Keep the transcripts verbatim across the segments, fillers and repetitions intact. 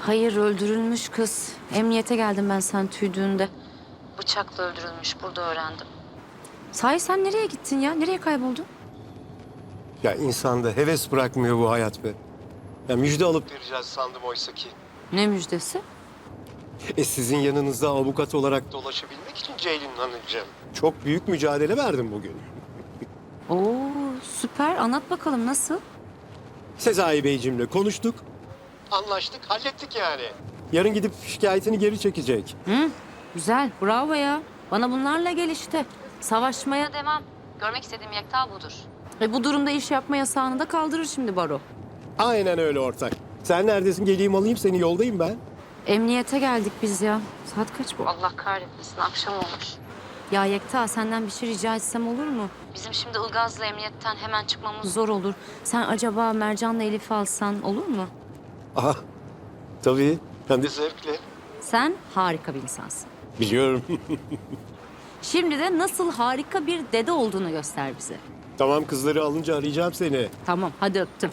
Hayır, öldürülmüş kız. Emniyete geldim ben sen tüydüğünde. Bıçakla öldürülmüş, burada öğrendim. Sahi sen nereye gittin ya? Nereye kayboldun? Ya insanda heves bırakmıyor bu hayat be. Ya müjde alıp vereceğiz sandım oysa ki. Ne müjdesi? E sizin yanınızda avukat olarak dolaşabilmek için Ceylin Hanımcığım. Çok büyük mücadele verdim bugün. Oo, süper. Anlat bakalım nasıl? Sezai Beyciğimle konuştuk. Anlaştık, hallettik yani. Yarın gidip şikayetini geri çekecek. Hı, güzel. Bravo ya. Bana bunlarla gel işte. Savaşmaya devam. Görmek istediğim yekta budur. E bu durumda iş yapma yasağını da kaldırır şimdi baro. Aynen öyle ortak. Sen neredesin? Geleyim alayım seni, yoldayım ben. Emniyete geldik biz ya. Saat kaç bu? Allah kahretmesin, akşam olmuş. Ya Yekta, senden bir şey rica etsem olur mu? Bizim şimdi Ilgaz'la emniyetten hemen çıkmamız zor olur. Sen acaba Mercan'la Elif'i alsan olur mu? Aha, tabii. Hem de zevkle. Sen harika bir insansın. Biliyorum. Şimdi de nasıl harika bir dede olduğunu göster bize. Tamam, kızları alınca arayacağım seni. Tamam, hadi öptüm.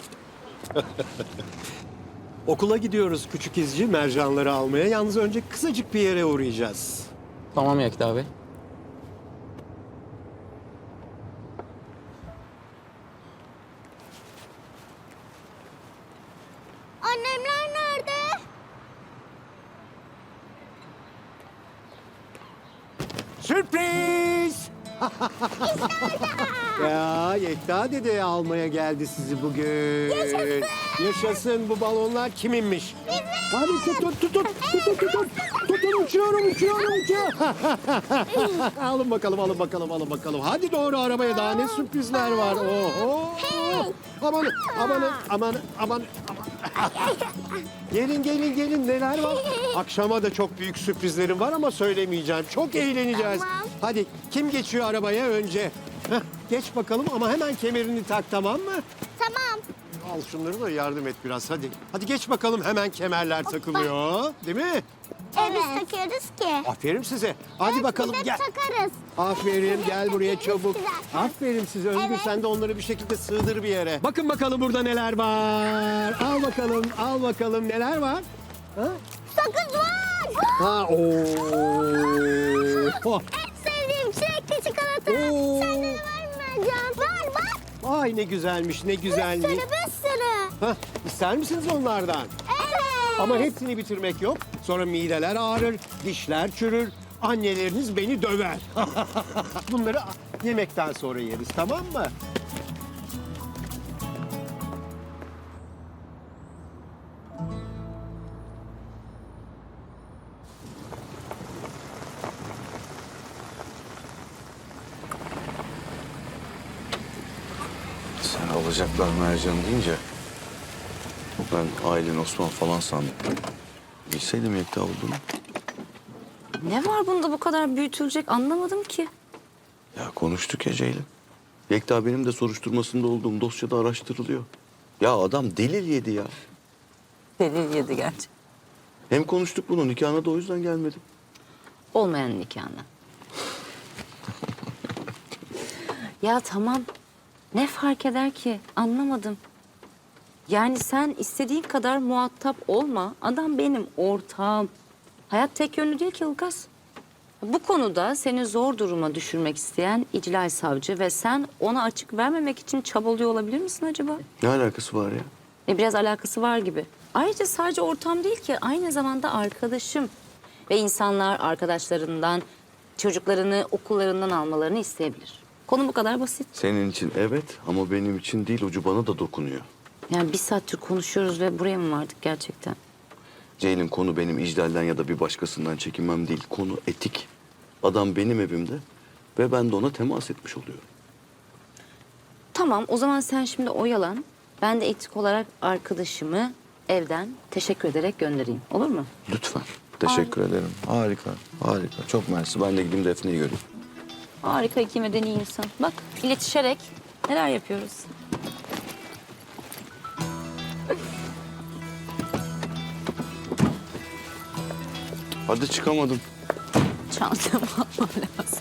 Okula gidiyoruz küçük izci mercanları almaya. Yalnız önce kısacık bir yere uğrayacağız. Tamam Yekta Bey. Annemler nerede? Sürpriz! Ya Yekta dede almaya geldi sizi bugün. Yaşasın! Yaşasın, bu balonlar kiminmiş? Bizim! Hadi tut tut tut tut tut tut tut. Tutun, uçuyorum uçuyorum uçuyorum. Alın bakalım alın bakalım alın bakalım. Hadi doğru arabaya, daha ne sürprizler var. Oho! Aman aman aman aman aman. Gelin gelin gelin, neler var? Akşama da çok büyük sürprizlerim var ama söylemeyeceğim. Çok eğleneceğiz. Tamam. Hadi kim geçiyor arabaya önce? Heh, geç bakalım ama hemen kemerini tak, tamam mı? Tamam. Al şunları da yardım et biraz hadi. Hadi geç bakalım, hemen kemerler takılıyor. Değil mi? Evet. Biz takıyoruz ki. Aferin size. Hadi bakalım Biz hep gel. takarız. Aferin, gel buraya çabuk. Güzel. Aferin size Özgür, Evet. sen de onları bir şekilde sığdır bir yere. Bakın bakalım burada neler var. Al bakalım, al bakalım neler var. Ha? Sakız var. Ha, oo. En sevdiğim çilekli çikolata. Oo. Sende de var mı Mercan? Var bak. Ay ne güzelmiş, ne Bir sürü güzelmiş. bir sürü. Hah, ister misiniz onlardan? Evet. Ama hepsini bitirmek yok. Sonra mideler ağrır, dişler çürür. Anneleriniz beni döver. Bunları yemekten sonra yeriz, tamam mı? Sen alacaklar Mercan deyince ben Aylin Osman falan sandım. Bilseydim Yekta olduğunu. Ne var bunda bu kadar büyütülecek anlamadım ki. Ya konuştuk ya Ceylin. Yekta benim de soruşturmasında olduğum dosyada araştırılıyor. Ya adam delil yedi ya. Delil yedi gerçi. Hem konuştuk bunu, nikahına da o yüzden gelmedim. Olmayan nikahına. Ya tamam. Ne fark eder ki? Anlamadım. Yani sen istediğin kadar muhatap olma. Adam benim ortağım. Hayat tek yönlü değil ki Ilgaz. Bu konuda seni zor duruma düşürmek isteyen iclal savcı ve sen ona açık vermemek için çabalıyor olabilir misin acaba? Ne alakası var ya? E biraz alakası var gibi. Ayrıca sadece ortağım değil ki, aynı zamanda arkadaşım. Ve insanlar arkadaşlarından, çocuklarını okullarından almalarını isteyebilir. Konu bu kadar basit. Senin için evet ama benim için değil, ucu bana da dokunuyor. Yani bir saattir konuşuyoruz ve buraya mı vardık gerçekten? Ceylin, konu benim iclalden ya da bir başkasından çekinmem değil. Konu etik. Adam benim evimde ve ben de ona temas etmiş oluyorum. Tamam, o zaman sen şimdi oyalan. Ben de etik olarak arkadaşımı evden teşekkür ederek göndereyim. Olur mu? Lütfen. Teşekkür ederim. Harika, harika. Çok mersi. Ben de gideyim Defne'yi göreyim. Harika, iki medeni insan. Bak, iletişerek neler yapıyoruz. Hadi çıkamadım. Çantamı almam lazım.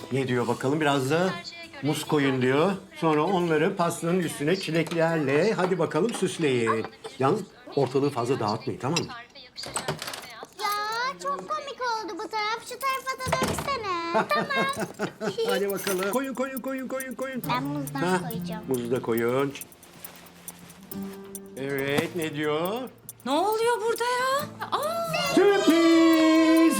Ne diyor bakalım? Biraz da muz koyun diyor. Sonra onları pastanın üstüne çileklerle hadi bakalım süsleyin. Yalnız ortalığı fazla dağıtmayın, tamam mı? Ya çok komik oldu bu taraf. Şu tarafa da döksene. Tamam. Hadi bakalım. Koyun koyun koyun koyun koyun. Ben muzdan Ha, koyacağım. muzu da koyun. Evet, ne diyor? Ne oluyor burada ya? Aa, Sürpriz!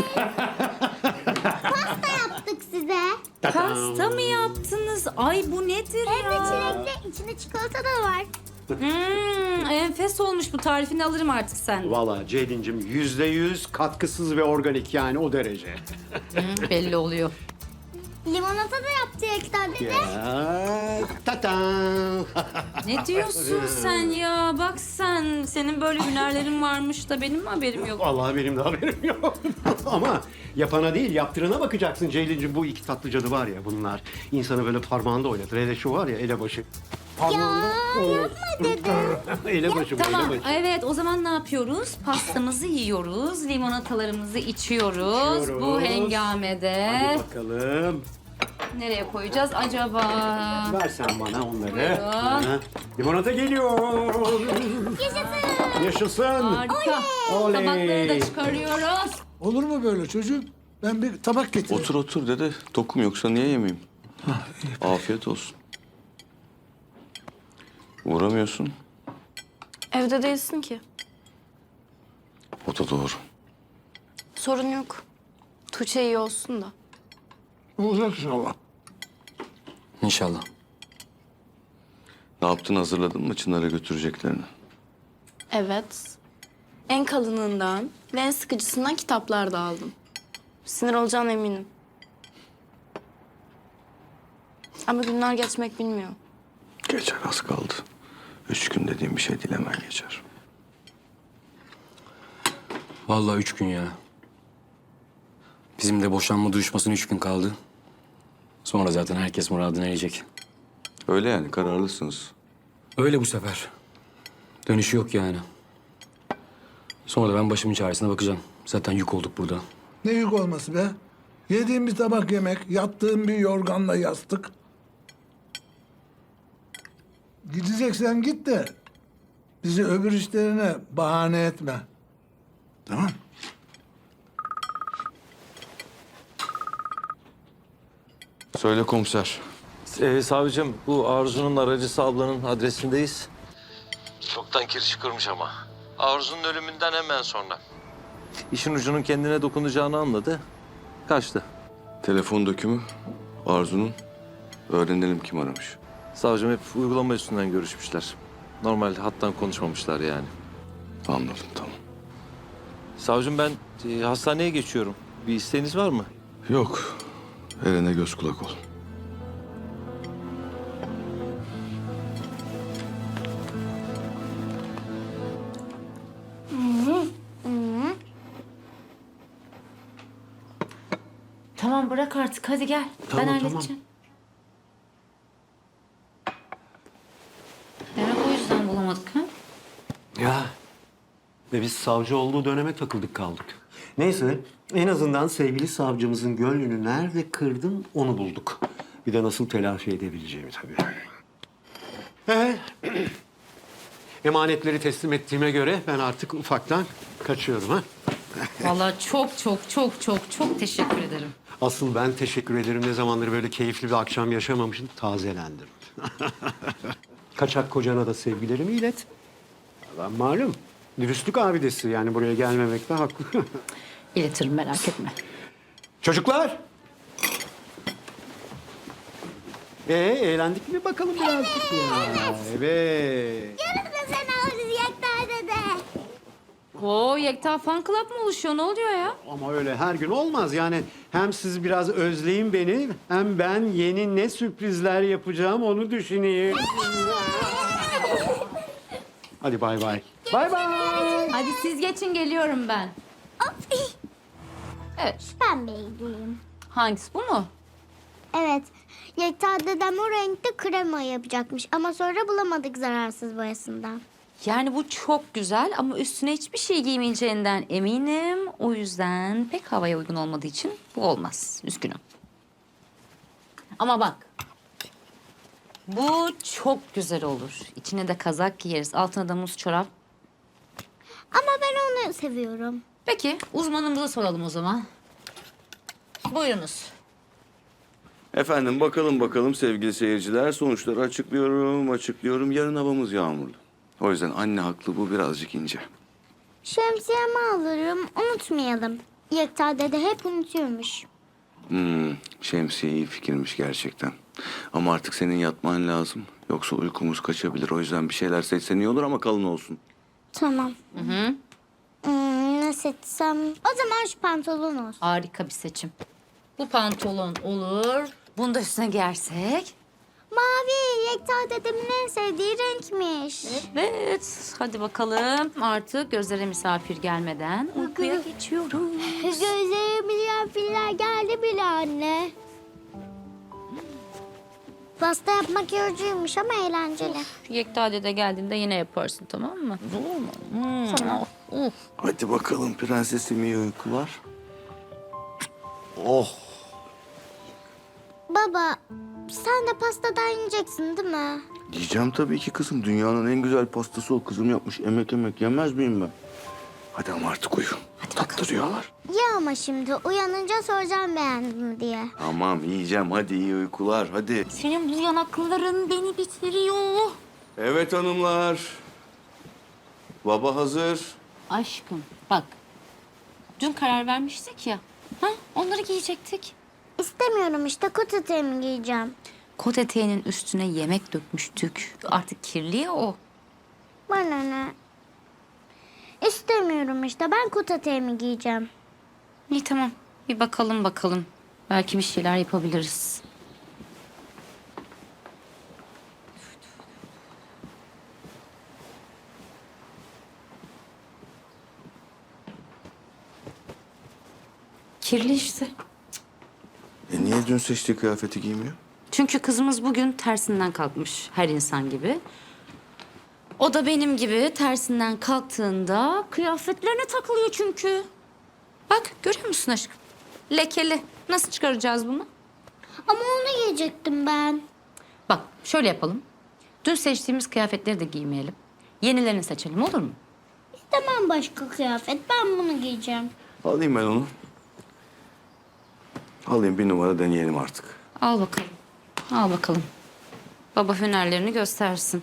Pasta yaptık size. pasta mı yaptınız? Ay bu nedir Hem de ya? çilekli. İçinde çikolata da var. Hmm, enfes olmuş bu, tarifini alırım artık sen. Valla Ceylin'cim yüzde yüz katkısız ve organik, yani o derece. Belli oluyor. Limonata da yaptı Yekta dede. Ya, tatam. Ne diyorsun sen ya? Bak sen, senin böyle hünerlerin varmış da benim mi haberim yok? Vallahi benim de haberim yok. Ama yapana değil, yaptırana bakacaksın Ceylin'cim. Bu iki tatlı cadı var ya bunlar. İnsanı böyle parmağında oynatır. Hele şu var ya, elebaşı. Parmağında. Ya yapma dede. Elebaşı bu, Tamam, elebaşı. evet, o zaman ne yapıyoruz? Pastamızı yiyoruz, limonatalarımızı içiyoruz. İçiyoruz. Bu hengamede Hadi bakalım. nereye koyacağız acaba? Ver sen bana onları. Buyurun. Ha, limonata geliyor. Yaşasın. Yaşasın. Harika. Oley. Tabakları da çıkarıyoruz. Olur mu böyle çocuk? Ben bir tabak getireyim. Otur otur dede. Tokum yoksa niye yemeyeyim? Afiyet olsun. Uğramıyorsun. Evde değilsin ki. O da doğru. Sorun yok. Tuğçe iyi olsun da. Olacak inşallah. İnşallah. Ne yaptın, hazırladın mı Çınar'a götüreceklerini? Evet. En kalınından ve en sıkıcısından kitaplar da aldım. Sinir olacağına eminim. Ama günler geçmek bilmiyor. Geçer, az kaldı. Üç gün dediğim bir şey değil, hemen geçer. Vallahi üç gün ya. Bizim de boşanma duruşmasına üç gün kaldı. Sonra zaten herkes muradına erecek. Öyle yani, kararlısınız. Öyle bu sefer. Dönüşü yok yani. Sonra da ben başımın çaresine bakacağım. Zaten yük olduk burada. Ne yük olması be? Yediğim bir tabak yemek, yattığım bir yorganla yastık. Gideceksen git de bizi öbür işlerine bahane etme. Tamam. Söyle komiser. Ee, savcım, bu Arzu'nun aracısı ablanın adresindeyiz. Çoktan kirişi kırmış ama. Arzu'nun ölümünden hemen sonra. İşin ucunun kendine dokunacağını anladı. Kaçtı. Telefon dökümü Arzu'nun. Öğrenelim kim aramış. Savcım hep uygulama üstünden görüşmüşler. Normalde hattan konuşmamışlar yani. Anladım, tamam. Savcım ben e, hastaneye geçiyorum. Bir isteğiniz var mı? Yok. Eren'e göz kulak ol. Tamam, bırak artık, hadi gel. Tamam, ben tamam. halledeceğim. Demek o yüzden bulamadık ha? Ya. Ve biz savcı olduğu döneme takıldık kaldık. Neyse, en azından sevgili savcımızın gönlünü nerede kırdım onu bulduk. Bir de nasıl telafi edebileceğimi tabii. Ee, emanetleri teslim ettiğime göre ben artık ufaktan kaçıyorum ha. Vallahi çok çok çok çok çok teşekkür ederim. Asıl ben teşekkür ederim. Ne zamandır böyle keyifli bir akşam yaşamamışım. Tazelendim. Kaçak kocana da sevgilerimi ilet. Ben malum dürüstlük abidesi, yani buraya gelmemekte haklı. İletirim, merak etme. Çocuklar. Ee, eğlendik mi bakalım birazcık ya? Evet. Yarın da sen alırız Yekta dede. Oo, Yekta Fan Club mı oluşuyor? Ne oluyor ya? Ama öyle her gün olmaz yani. Hem siz biraz özleyin beni, hem ben yeni ne sürprizler yapacağım onu düşüneyim. Hadi bay bay. Bay bay. Hadi siz geçin, geliyorum ben. Evet. Ben beğendim. Hangisi, bu mu? Evet. Yekta dedem o renkte krema yapacakmış. Ama sonra bulamadık zararsız boyasından. Yani bu çok güzel ama üstüne hiçbir şey giymeyeceğinden eminim. O yüzden pek havaya uygun olmadığı için bu olmaz. Üzgünüm. Ama bak. Bu çok güzel olur. İçine de kazak giyeriz. Altına da muz çorap. Ama ben onu seviyorum. Peki uzmanımıza soralım o zaman. Buyurunuz. Efendim bakalım bakalım sevgili seyirciler. Sonuçları açıklıyorum, açıklıyorum. Yarın havamız yağmurlu. O yüzden anne haklı, bu birazcık ince. Şemsiyemi alırım, unutmayalım. Yekta dede hep unutuyormuş. Hmm, şemsiye iyi fikirmiş gerçekten. Ama artık senin yatman lazım. Yoksa uykumuz kaçabilir. O yüzden bir şeyler seçsen iyi olur ama kalın olsun. Tamam. Hı hı. Hmm, ne seçsem? O zaman şu pantolon olsun. Harika bir seçim. Bu pantolon olur. Bunu da üstüne giyersek. Mavi, Yekta dedemin en sevdiği renkmiş. Evet. Hadi bakalım. Artık gözlere misafir gelmeden uykuya geçiyoruz. Gözlerime misafirler geldi bile anne. Pasta yapmak yorucuymuş ama eğlenceli. Yekta dede geldiğinde yine yaparsın, tamam mı? Olur mu? Hmm. Tamam. Uf. Hadi bakalım prensesim, iyi uykular. Oh. Baba, sen de pastadan yiyeceksin değil mi? Diyeceğim tabii ki kızım. Dünyanın en güzel pastası o, kızım yapmış. Emek emek yemez miyim ben? Hadi ama artık uyu. Hadi tatlı rüyalar. Ya ama şimdi uyanınca soracağım beğendin mi diye. Tamam yiyeceğim. Hadi iyi uykular. Hadi. Senin bu yanakların beni bitiriyor. Evet hanımlar. Baba hazır. Aşkım bak. Dün karar vermiştik ya. Ha? Onları giyecektik. İstemiyorum işte, kot eteğimi giyeceğim. Kot eteğinin üstüne yemek dökmüştük. Artık kirli ya o. Bana ne? İstemiyorum işte, ben kot eteğimi giyeceğim. İyi tamam. Bir bakalım bakalım. Belki bir şeyler yapabiliriz. Kirli işte. E niye dün seçtiği kıyafeti giymiyor? Çünkü kızımız bugün tersinden kalkmış her insan gibi. O da benim gibi tersinden kalktığında kıyafetlerine takılıyor çünkü. Bak görüyor musun aşkım? Lekeli. Nasıl çıkaracağız bunu? Ama onu giyecektim ben. Bak şöyle yapalım. Dün seçtiğimiz kıyafetleri de giymeyelim. Yenilerini seçelim, olur mu? İstemem başka kıyafet, ben bunu giyeceğim. Alayım ben onu. Alayım, bir numara deneyelim artık. Al bakalım. Al bakalım. Baba hünerlerini göstersin.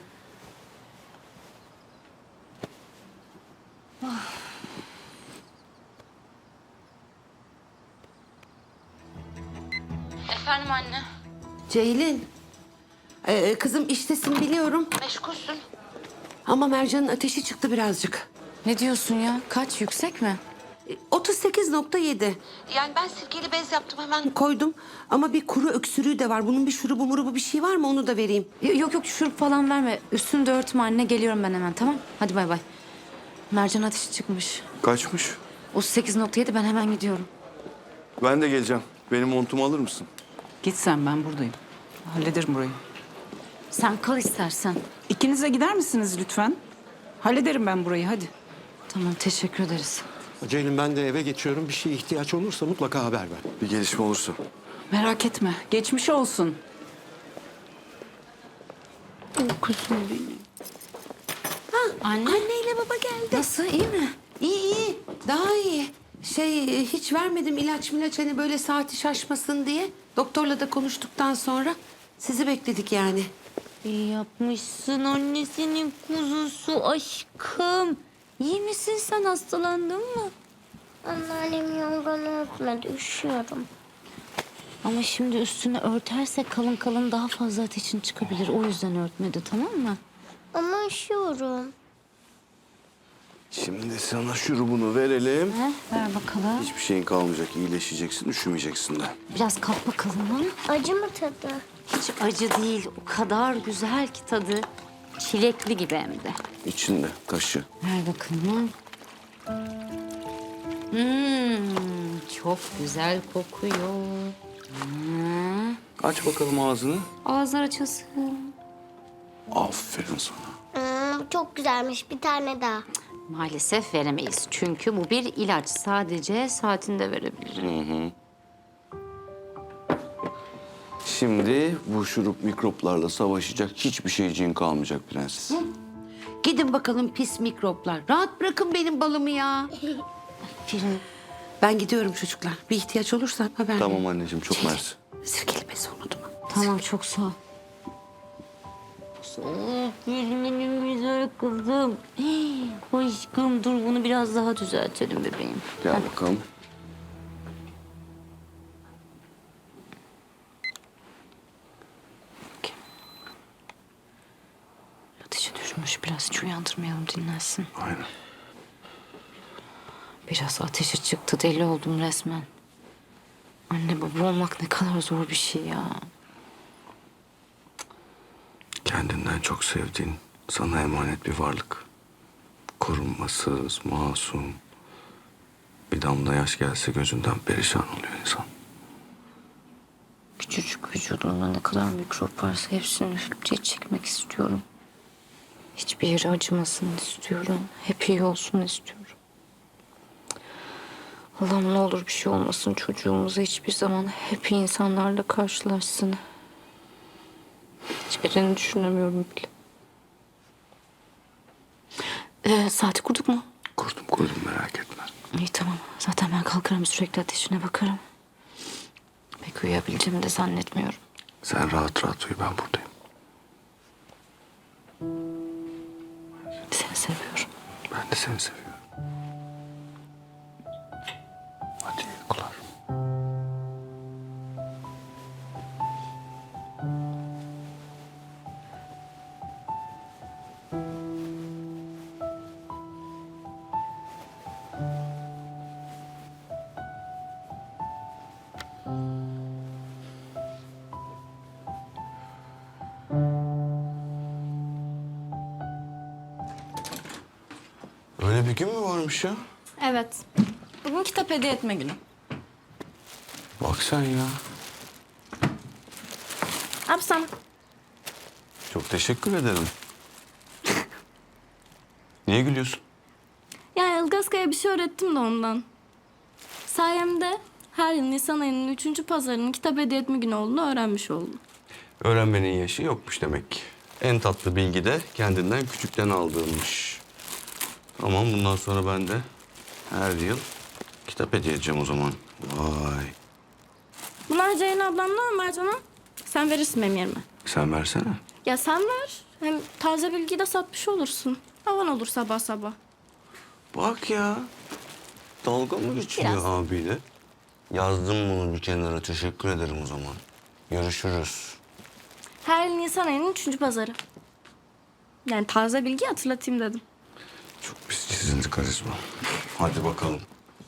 Efendim anne. Ceylin. Ee, kızım iştesin biliyorum. Meşgulsün. Ama Mercan'ın ateşi çıktı birazcık. Ne diyorsun ya? Kaç, yüksek mi? Ee, otuz sekiz nokta yedi. Yani ben sirkeli bez yaptım, hemen koydum. Ama bir kuru öksürüğü de var. Bunun bir şurubu murubu bir şey var mı, onu da vereyim. Yok yok şurup falan verme. Üstünü de örtme anne. Geliyorum ben hemen, tamam? Hadi bay bay. Mercan ateşi çıkmış. Kaçmış? otuz sekiz nokta yedi, ben hemen gidiyorum. Ben de geleceğim. Benim montumu alır mısın? Git sen, ben buradayım. Hallederim burayı. Sen kal istersen. İkiniz de gider misiniz lütfen? Hallederim ben burayı, hadi. Tamam, teşekkür ederiz. Ceylin, ben de eve geçiyorum. Bir şeye ihtiyaç olursa mutlaka haber ver. Bir gelişme olursa. Merak etme, geçmiş olsun. Anne. Anneyle baba geldi. Nasıl, iyi mi? İyi iyi, daha iyi. Şey, hiç vermedim ilaç milaç, hani böyle saati şaşmasın diye. Doktorla da konuştuktan sonra sizi bekledik yani. İyi yapmışsın annesinin kuzusu aşkım. İyi misin sen, hastalandın mı? Anneannem yorganı örtmedi, üşüyorum. Ama şimdi üstünü örterse kalın kalın daha fazla ateşin çıkabilir. O yüzden örtmedi, tamam mı? Ama üşüyorum. Şimdi sana şurubunu verelim. He, ver bakalım. Hiçbir şeyin kalmayacak. İyileşeceksin, üşümeyeceksin de. Biraz kalk bakalım ha. Acı mı tadı? Hiç acı değil. O kadar güzel ki tadı. Çilekli gibi hem de. İçinde taşı. Ver bakalım. Hmm, çok güzel kokuyor. Hmm. Aç bakalım ağzını. Ağızlar açılsın. Aferin sana. Hmm, çok güzelmiş, bir tane daha. Maalesef veremeyiz. Çünkü bu bir ilaç. Sadece saatinde verebilirim. Şimdi bu şurup mikroplarla savaşacak hiçbir şeyciğin kalmayacak prenses. Gidin bakalım pis mikroplar. Rahat bırakın benim balımı ya. Aferin. Ben gidiyorum çocuklar. Bir ihtiyaç olursa haber Tamam verin. anneciğim, çok mersi. Sirkeli bezi unutma. Tamam çok sağ ol. Oh, benim güzel kızım. Hey, aşkım dur bunu biraz daha düzeltelim bebeğim. Gel bakalım. Ateşi düşmüş biraz hiç uyandırmayalım dinlensin. Aynen. Biraz ateşi çıktı deli oldum resmen. Anne baba olmak ne kadar zor bir şey ya. Kendinden çok sevdiğin, sana emanet bir varlık. Korunmasız, masum. Bir damla yaş gelse gözünden perişan oluyor insan. Küçücük vücudumda ne kadar mikrop varsa hepsini üflüp diye çekmek istiyorum. Hiçbir yeri acımasın istiyorum. Hep iyi olsun istiyorum. Allah'ım ne olur bir şey olmasın çocuğumuza hiçbir zaman hep iyi insanlarla karşılaşsın. Hiçbirini düşünemiyorum bile. Ee, saati kurduk mu? Kurdum kurdum, merak etme. İyi tamam. Zaten ben kalkarım sürekli ateşine bakarım. Pek uyuyabileceğimi de zannetmiyorum. Sen rahat rahat uyu, ben buradayım. Seni seviyorum. Ben de seni seviyorum. Hadi iyi uykular. Öyle bir gün mü varmış ya? Evet. Bugün kitap hediye etme günü. Bak sen ya. Abi sana. Çok teşekkür ederim. Niye gülüyorsun? Ya Ilgazka'ya bir şey öğrettim de ondan. Sayemde her yıl Nisan ayının üçüncü pazarının kitap hediye etme günü olduğunu öğrenmiş oldum. Öğrenmenin yaşı yokmuş demek ki. En tatlı bilgi de kendinden küçükten aldığımmış. Tamam, bundan sonra ben de her yıl kitap hediye edeceğim o zaman. Vay. Bunlar Ceylan ablamla Ömer canım. Sen verirsin benim yerime. Sen versene. Ya sen ver. Hem taze bilgiyi de satmış olursun. Havan olur sabah sabah. Bak ya. Dalga mı geçiyor Biraz. abiyle? Yazdım bunu bir kenara. Teşekkür ederim o zaman. Görüşürüz. Her yıl Nisan ayının üçüncü pazarı. Yani taze bilgiyi hatırlatayım dedim. Çok pis çizildi karizma. Hadi bakalım.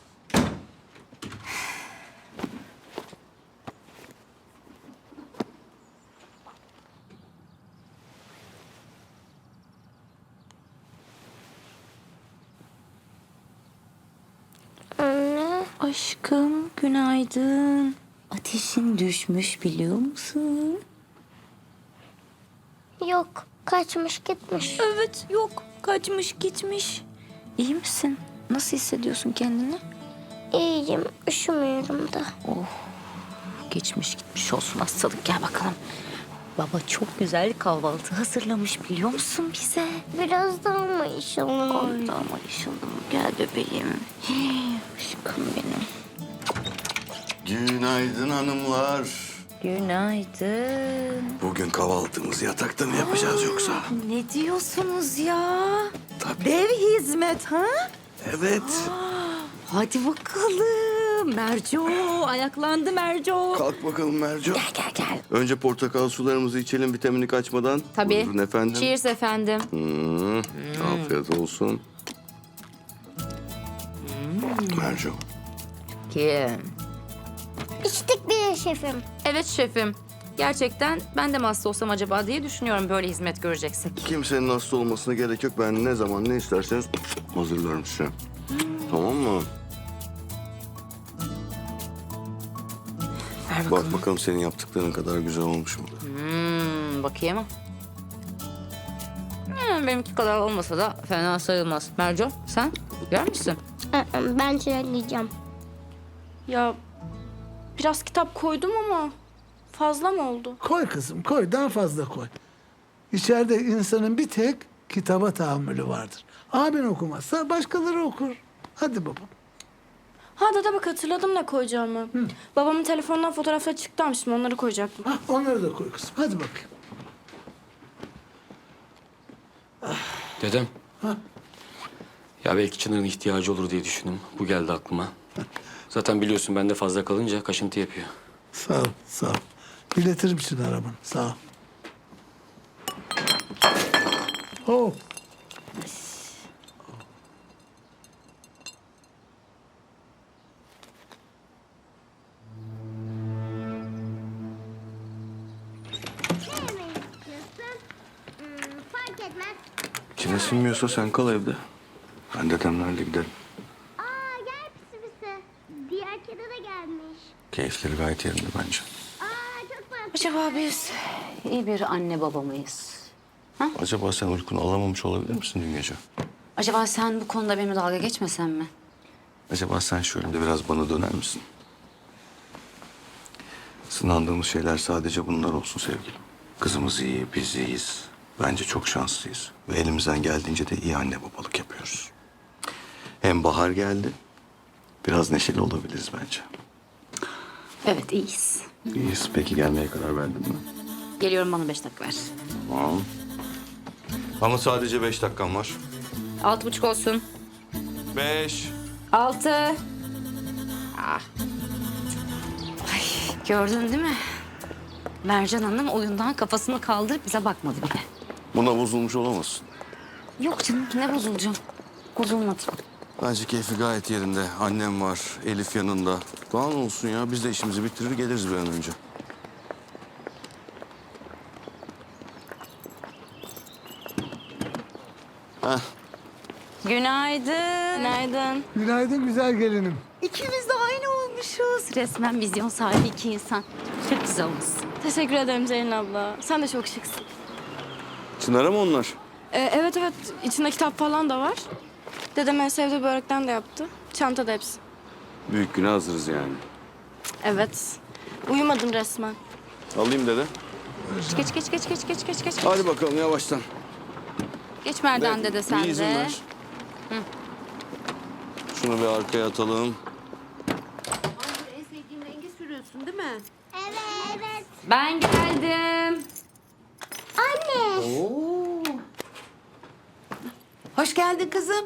Anne. Aşkım günaydın. Ateşin düşmüş biliyor musun? Yok. Kaçmış gitmiş. Evet yok kaçmış gitmiş. İyi misin? Nasıl hissediyorsun kendini? İyiyim. Üşümüyorum da. Geçmiş gitmiş olsun hastalık gel bakalım. Baba çok güzel kahvaltı hazırlamış biliyor musun bize? Biraz daha mı inşallah? Ay ama inşallah gel bebeğim. Hii, aşkım benim. Günaydın hanımlar. Günaydın. Bugün kahvaltımızı yatakta mı yapacağız yoksa? Ne diyorsunuz ya? Tabii. Dev hizmet ha? Evet. Hadi bakalım. Merco ayaklandı Merco. Kalk bakalım Merco. Gel gel gel. Önce portakal sularımızı içelim vitaminini kaçmadan. Tabii. Buyurun efendim. Cheers efendim. Hmm, Afiyet olsun. Merco. Kim? İçtik bile şefim. Evet şefim. Gerçekten ben de mi hasta olsam acaba diye düşünüyorum böyle hizmet göreceksek. Kimsenin hasta olmasına gerek yok. Ben ne zaman ne isterseniz hazırlarım size. Tamam mı? Ver bakalım. Bak bakalım senin yaptıkların kadar güzel olmuş mu? Hmm, bakayım. Hmm, benimki kadar olmasa da fena sayılmaz. Merco sen yer misin? Aa, Ben çilek yiyeceğim. Ya biraz kitap koydum ama Fazla mı oldu? Koy kızım koy daha fazla koy. İçeride insanın bir tek kitaba tahammülü vardır. Abin okumazsa başkaları okur. Hadi babam. Ha dede bak hatırladım ne koyacağımı. Babamın telefonundan fotoğraflar çıktı şimdi onları koyacaktım. Hah, onları da koy kızım. Hadi bakayım. Dedem. Ha? Ya belki Çınar'ın ihtiyacı olur diye düşündüm. Bu geldi aklıma. Zaten biliyorsun bende fazla kalınca kaşıntı yapıyor. Sağ ol, sağ ol. İletirim Çınar arabanı. Sağ ol. Oh. Ne yemek istiyorsun? Hmm, fark etmez. İçine sinmiyorsa sen kal evde. Ben dedemlerle giderim. Aa gel pisi pisi. Diğer kedi de gelmiş. Keyifleri gayet yerinde bence. Aa çok tatlı. Acaba biz iyi bir anne baba mıyız? Acaba sen uykunu alamamış olabilir misin dün gece? Acaba sen bu konuda benimle dalga geçmesen mi? Acaba sen şu önünde biraz bana döner misin? Sınandığımız şeyler sadece bunlar olsun sevgilim. Kızımız iyi, biz iyiyiz. Bence çok şanslıyız. Ve elimizden geldiğince de iyi anne babalık yapıyoruz. Hem bahar geldi. Biraz neşeli olabiliriz bence. Evet, iyiyiz. İyiyiz. Peki gelmeye karar verdin mi? Geliyorum, bana beş dakika ver. Tamam. Ama sadece beş dakikam var. Altı buçuk olsun. Beş. Altı. Ah. Ay, gördün değil mi? Mercan Hanım oyundan kafasını kaldırıp bize bakmadı bile. Buna bozulmuş olamazsın. Yok canım, ne bozulacağım? Bozulmadı. Bence keyfi gayet yerinde. Annem var, Elif yanında. Daha ne olsun ya? Biz de işimizi bitirir geliriz bir an önce. Heh. Günaydın. Günaydın. Günaydın güzel gelinim. İkimiz de aynı olmuşuz. Resmen vizyon sahibi iki insan. Çok güzel olmuşsun. Teşekkür ederim Zeynep abla. Sen de çok şıksın. Çınar'a mı onlar? Ee, evet evet içinde kitap falan da var. Dedem en sevdiği börekten de yaptı. Çantada hepsi. Büyük güne hazırız yani. Evet. Uyumadım resmen. Alayım dede. Geç geç geç geç geç geç geç. Hadi bakalım yavaştan. Geç Merdan dede sen Bir izin de. ver. Şunu bir arkaya atalım. En sevdiğin rengi sürüyorsun değil mi? Evet evet. Ben geldim. Anne. Oo. Hoş geldin kızım.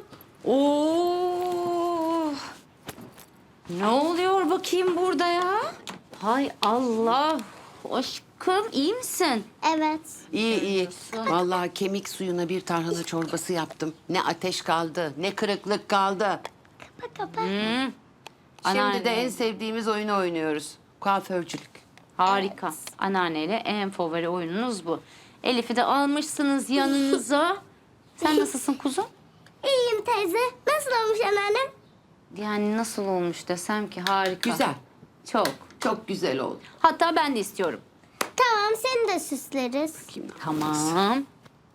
Oo. Ne oluyor bakayım burada ya? Hay Allah. Aşkım iyi misin? Evet. İyi iyi. Vallahi kemik suyuna bir tarhana çorbası yaptım. Ne ateş kaldı, ne kırıklık kaldı. Kapa kapa. Şimdi Anneanne. de en sevdiğimiz oyunu oynuyoruz. Kuaförcülük. Harika. Anneanneyle en favori oyununuz bu. Elif'i de almışsınız yanınıza. Sen nasılsın kuzum? İyiyim teyze. Nasıl olmuş anneannem? Yani nasıl olmuş desem ki harika. Güzel. Çok. Çok güzel oldu. Hatta ben de istiyorum. Tamam seni de süsleriz. Tamam.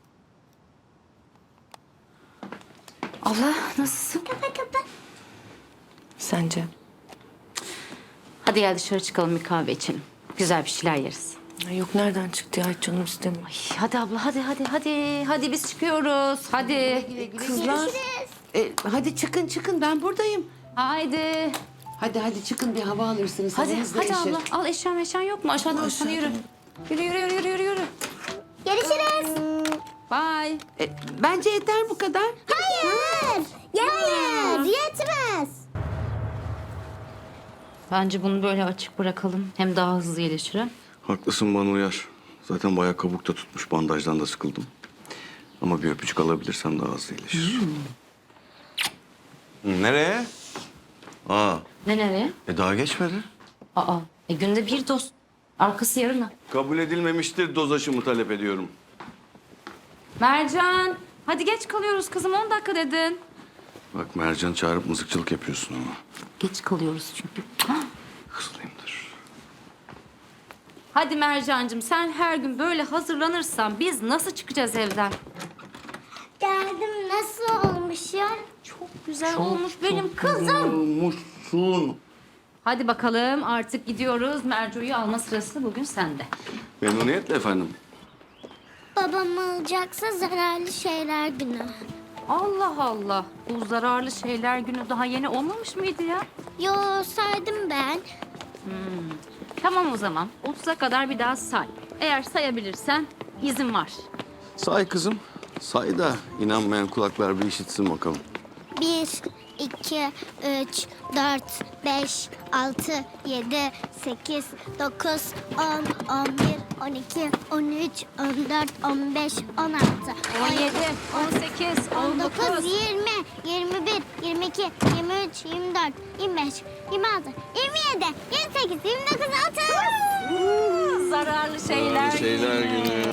Abla nasılsın? Kapa kapa. Sence? Hadi gel dışarı çıkalım bir kahve içelim. Güzel bir şeyler yeriz. Yok nereden çıktı ya? Hiç canım istemiyor. Ay, hadi abla hadi hadi hadi. Hadi biz çıkıyoruz. Hadi. Kızlar. E, hadi çıkın çıkın ben buradayım. Haydi. Hadi hadi çıkın bir hava alırsınız. Hadi havanız hadi değişir. abla. Al eşyan eşyan yok mu? Aşağıdan aşağıdan yürü. Yürü yürü yürü yürü yürü. yürü. Görüşürüz. Bye. E, bence yeter bu kadar. Hayır. Hayır. Yetmez. Bence bunu böyle açık bırakalım. Hem daha hızlı iyileşir. ha? Haklısın bana uyar. Zaten bayağı kabukta tutmuş. Bandajdan da sıkıldım. Ama bir öpücük alabilirsem daha hızlı iyileşir. Hı, Nereye? Aa, Ne nereye? e daha geçmedi. Aa. E günde bir doz. Arkası yarına. Kabul edilmemiştir doz aşımı talep ediyorum. Mercan. Hadi geç kalıyoruz kızım. on dakika dedin. Bak Mercan çağırıp mızıkçılık yapıyorsun ama. Geç kalıyoruz çünkü. Hızlıyımdır. Hadi Mercancığım sen her gün böyle hazırlanırsan biz nasıl çıkacağız evden? Geldim nasıl olmuş ya? Çok güzel olmuş benim kızım. Olmuşsun. Hadi bakalım artık gidiyoruz. Mercu'yu alma sırası bugün sende. Memnuniyetle efendim. Babam alacaksa zararlı şeyler günü. Allah Allah. Bu zararlı şeyler günü daha yeni olmamış mıydı ya? Yo saydım ben. Tamam o zaman. otuza kadar bir daha say. Eğer sayabilirsen izin var. Say kızım. Say da inanmayan kulaklar bir işitsin bakalım. Bir, iki, üç, dört, beş, altı, yedi, sekiz, dokuz, on, on bir, on iki, on üç, on dört, on beş, on altı, on yedi, on sekiz, on on dokuz, dokuz. yirmi, yirmi bir, yirmi iki, yirmi üç, yirmi dört, yirmi beş, yirmi altı, yirmi yedi, yirmi sekiz, yirmi dokuz, otuz. Zararlı şeyler, Şeyler günü.